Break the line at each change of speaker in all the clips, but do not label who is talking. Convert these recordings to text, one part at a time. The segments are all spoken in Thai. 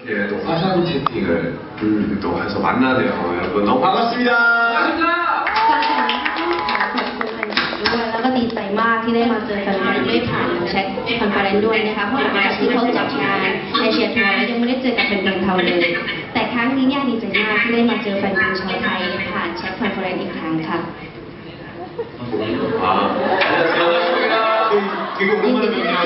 이렇게 또 화상 채팅을 또 해서 만나네요. 여러분 너무 반갑습니다.
ก่อนอื่นต้องขอขอบคุณแฟนคลับด้วยแล้วก็ดีใจมากที่ได้มาเจอแฟนๆด้วยผ่านแชทคอนเฟอเรนซ์ด้วยนะคะเพราะหลังจากที่เขาจัดงานเอเชียทัวร์แล้วยังไม่ได้เจอกับแฟนๆเขาเลยแต่ครั้งนี้เนี่ยดีใจมากที่ได้มาเจอแฟนๆชาวไทยผ่านแชทคอนเฟอเรนซ์อีกครั้งค่ะ
아, 반갑습니다. 되게 오랜만에 뵙네요.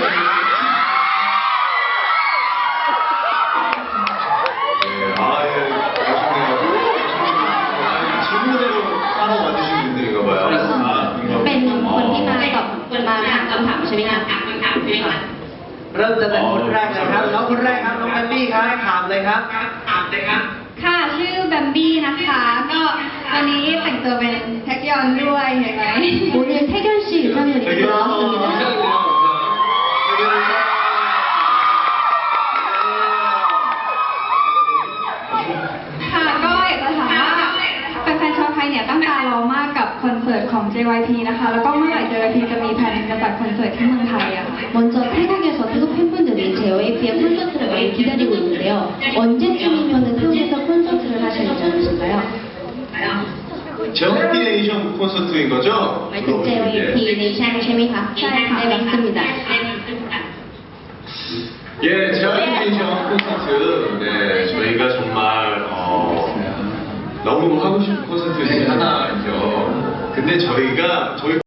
질문으로 따로 와주신 분들인가 봐요.
เป็นคนที่มาตอบมาถามคำถามใช่ไหมคะ
เริ่มตั้งแต่คนแรกเลยครับน้องคนแรกครับน้องแอมบี้ครับถามเลยครับ
ค่ะชื่อแบมบี้นะคะ ก็วันนี้แต่งตัวเป็นแท็กยอนด้วยเห็นไหม
오늘 태견 씨 의상을 입고 나왔습니다.
ค่ะก็อยากจะถามว่าแฟนๆชาวไทยเนี่ยตั้งตารอมากกับคอนเสิร์ตของ JYP นะคะ แล้วก็เมื่อไหร่ JYP จะมีแผนจะจัดคอนเสิร์ตที่เมืองไทยอะค่ะ
먼저 태국에서 태국 팬분들이 JYP의 콘서트를 많이 기다리고 있는데요. 언제쯤이면 태국에서 콘서트를 하실 예정이신가요?
제어피네이션 콘서트인 거죠?
หมายถึง JYP 네이션ใช่ไหมคะ ใช่ค่ะ네 맞습니다.
예, 제어피네이션 콘서트. 네, 저희가 정말 너무 하고 싶은 콘서트 중에 하나죠. 근데 저희